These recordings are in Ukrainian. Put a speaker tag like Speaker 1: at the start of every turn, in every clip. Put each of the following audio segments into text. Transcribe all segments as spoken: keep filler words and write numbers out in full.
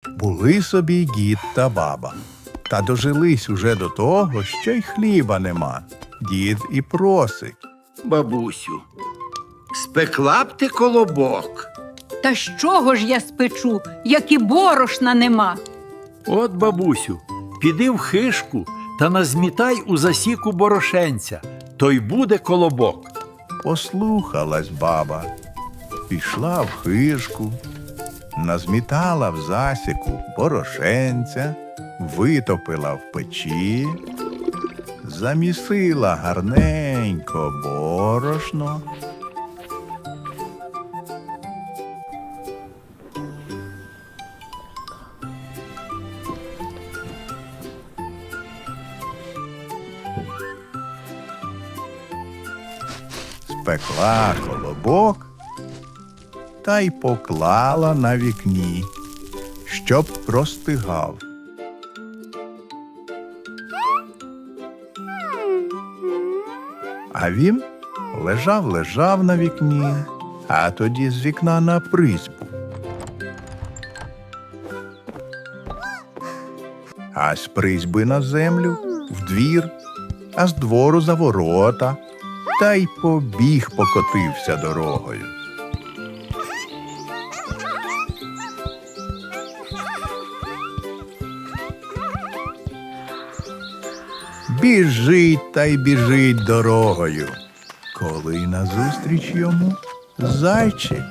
Speaker 1: Були собі дід та баба. Та дожились уже до того, що й хліба нема. Дід і просить.
Speaker 2: Бабусю, спекла б ти колобок?
Speaker 3: Та з чого ж я спечу, як і борошна нема?
Speaker 4: От, бабусю, піди в хишку та назмітай у засіку борошенця, то й буде колобок.
Speaker 1: Послухалась баба, пішла в хижку, назмітала в засіку борошенця, витопила в печі, замісила гарненько борошно. Спекла колобок та й поклала на вікні, щоб простигав. А він лежав-лежав на вікні, а тоді з вікна на призьбу. А з призьби на землю, в двір, а з двору за ворота, та й побіг покотився дорогою. Біжить та й біжить дорогою, коли назустріч йому зайчик.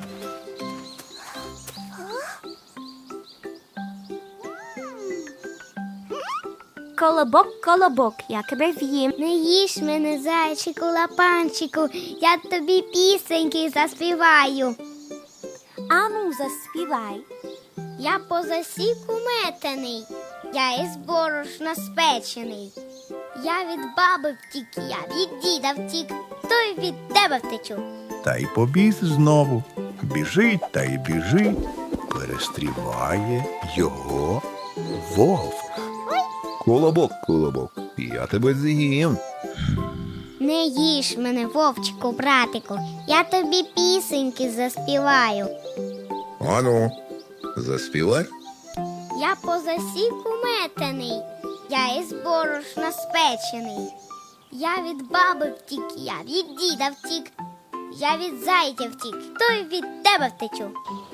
Speaker 5: Колобок, колобок, я тебе в'їм. Не їж мене, зайчику, лапанчику, я тобі пісеньки заспіваю. Ану, заспівай. Я по засіку метений, я із борошна спечений. Я від баби втік, я від діда втік, то й від тебе втечу.
Speaker 1: Та й побіг знову, біжить та й біжить, перестріває його вовк.
Speaker 6: Колобок, колобок, я тебе з'їм.
Speaker 5: Не їж мене, вовчику, братику, я тобі пісеньки заспіваю.
Speaker 6: Ану, заспівай.
Speaker 5: Я по засіку метений, я із борошна спечений. Я від баби втік, я від діда втік, я від зайця втік, то й від тебе втечу.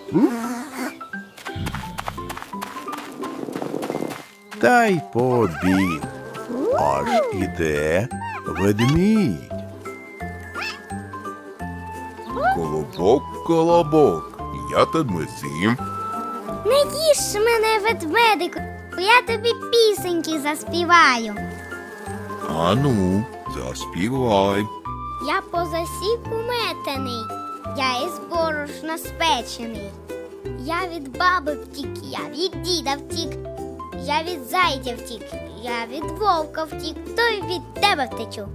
Speaker 1: Та й побіг, аж іде ведмідь.
Speaker 6: Колобок, колобок, я тебе з'їм.
Speaker 5: Не їж мене, ведмедику, я тобі пісеньки заспіваю.
Speaker 6: Ану, заспівай.
Speaker 5: Я по засіку метений, я із борошна спечений. Я від баби втік, я від діда втік, я від зайця втік, я від вовка втік, то й від тебе втечу.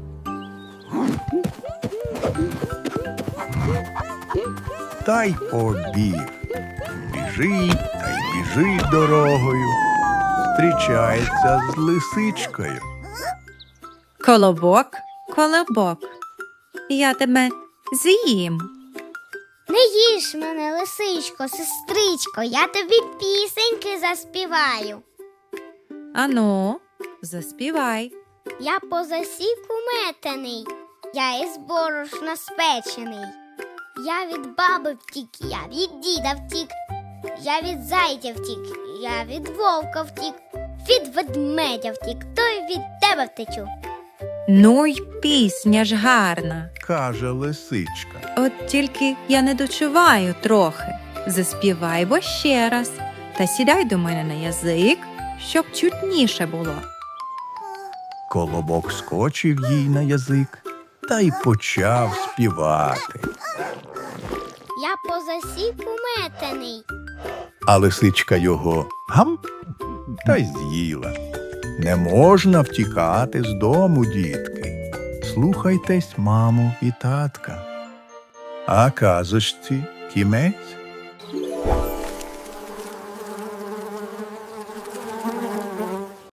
Speaker 1: Та й побіг, біжить та й біжить дорогою, зустрічається з лисичкою.
Speaker 7: Колобок, колобок, я тебе з'їм.
Speaker 5: Не їж мене, лисичко, сестричко, я тобі пісеньки заспіваю.
Speaker 7: Ану, заспівай.
Speaker 5: Я по засіку метений, я із борошна спечений. Я від баби втік, я від діда втік, я від зайця втік, я від вовка втік, від ведмедя втік, то й від тебе втечу.
Speaker 7: Ну й пісня ж гарна.
Speaker 1: Каже лисичка.
Speaker 7: От тільки я не дочуваю трохи. Заспівай бо ще раз та сідай до мене на язик, щоб чутніше було.
Speaker 1: Колобок скочив їй на язик та й почав співати.
Speaker 5: Я по засіку метений,
Speaker 1: А лисичка його гам та й з'їла. Не можна втікати з дому, дітки. Слухайтесь маму і татка. А казочці кінець.